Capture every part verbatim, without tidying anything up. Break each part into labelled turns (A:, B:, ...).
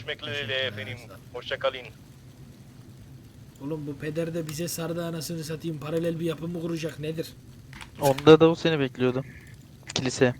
A: Görüşmek efendim. Hoşça kalın.
B: Oğlum bu peder de bize sardı anasını satayım. Paralel bir yapı mı kuracak nedir?
C: Onda da o seni bekliyordu. Kilise.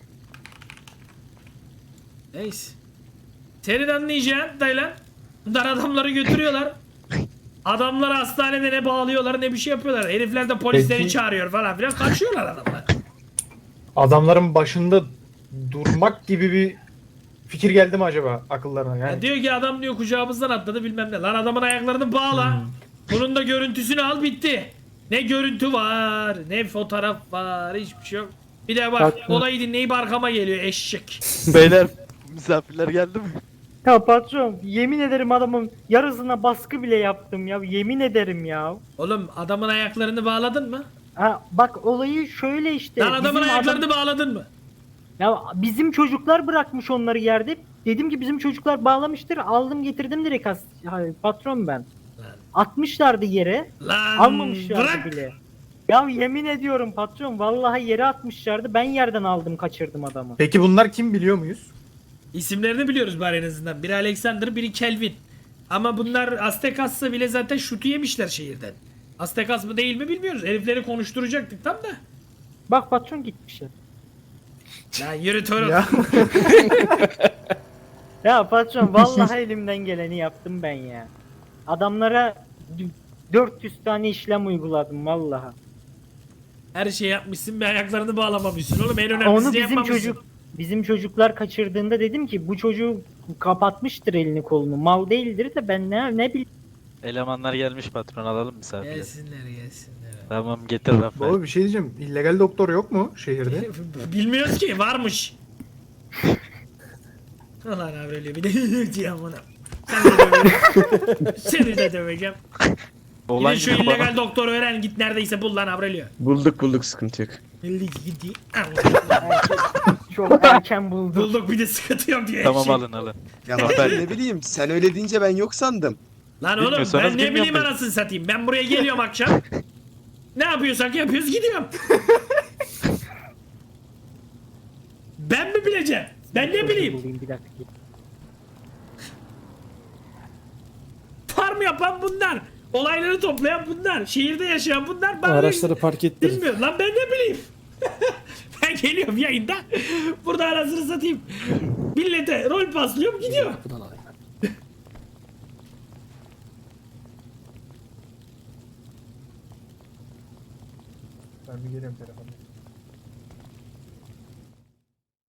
B: Neyse. Senin anlayacağın Taylan. Bunlar adamları götürüyorlar. Adamları hastanede ne bağlıyorlar ne bir şey yapıyorlar. Herifler de polisleri
D: Peki-
B: çağırıyor falan filan. Kaçıyorlar adamlar.
D: Adamların başında durmak gibi bir fikir geldi mi acaba akıllarına? Yani
B: Ya diyor ki adam diyor kucağımızdan atladı bilmem ne. Lan adamın ayaklarını bağla. Bunun da görüntüsünü al bitti. Ne görüntü var, ne fotoğraf var, hiçbir şey yok. Bir de bak
E: Haklı.
B: olayı dinleyip arkama geliyor eşek.
C: Beyler misafirler geldi mi?
E: Ya patron yemin ederim adamın yarısına baskı bile yaptım ya, yemin ederim ya.
B: Oğlum adamın ayaklarını bağladın mı?
E: Ha bak olayı şöyle işte.
B: Lan adamın
E: bizim
B: ayaklarını
E: adam-
B: bağladın mı?
E: Ya bizim çocuklar bırakmış onları yerde. Dedim ki bizim çocuklar bağlamıştır. Aldım getirdim direkt as Hayır, patron ben. Atmışlardı yere.
B: Lan
E: Almamışlardı
B: bırak.
E: bile. Ya yemin ediyorum patron vallahi yere atmışlardı. Ben yerden aldım kaçırdım adamı.
D: peki bunlar kim biliyor muyuz?
B: İsimlerini biliyoruz bari en azından. Biri Alexander, biri Kelvin. Ama bunlar Aztekas'sa bile zaten şutu yemişler şehirden. Aztekas mı değil mi bilmiyoruz. Herifleri konuşturacaktık tam da.
E: Bak patron gitmişler.
B: Lan yürü torun.
D: Ya.
E: Ya patron vallahi elimden geleni yaptım ben ya. Adamlara d- dört yüz tane işlem uyguladım vallahi.
B: Her şey yapmışsın bir ayaklarını bağlamamışsın oğlum. En önemlisini
E: Onu bizim
B: yapmamışsın.
E: çocuk bizim çocuklar kaçırdığında dedim ki bu çocuğu kapatmıştır elini kolunu. Mal değildir de ben ne ne bileyim.
C: Elemanlar gelmiş patron, alalım misafirleri.
B: Gelsinler gelsinler.
C: Tamam getir Rafael.
D: Baba bir şey diyeceğim. İllegal doktor yok mu şehirde?
B: Bilmiyoruz ki varmış. Ulan abi öyle bir de diyeceğim ona. Sen de döveceğim. Seni de döveceğim.
C: Olan
B: Gidin şu
C: yine bana-
B: illegal doktoru öğren git neredeyse bul lan Aurelio.
F: Bulduk bulduk, sıkıntı yok.
B: Belli ki gitti.
E: Çok erken buldum.
B: Bulduk bir de sıkıntı yok diye.
C: Tamam
B: şey.
C: alın alın.
G: Ya ben ne bileyim, sen öyle deyince ben yok sandım.
B: Lan oğlum
C: Bilmiyorsanız
B: ben ne
C: bilmiyorum
B: bileyim
C: ben.
B: anasını satayım. Ben buraya geliyorum akşam. Ne yapıyorsak yapıyoruz gidiyorum. Ben mi bileceğim? Ben ne bileyim.
E: Bulayım bir dakika.
B: Farm yapan bunlar. Olayları toplayan bunlar. Şehirde yaşayan bunlar. Bana
H: Araçları park ettirin.
B: bilmiyorum. Lan ben ne bileyim. Ben geliyorum yayında. Burada arasını satayım. Millete rol paslıyorum gidiyor.
D: Ben bir geliyorum telefona.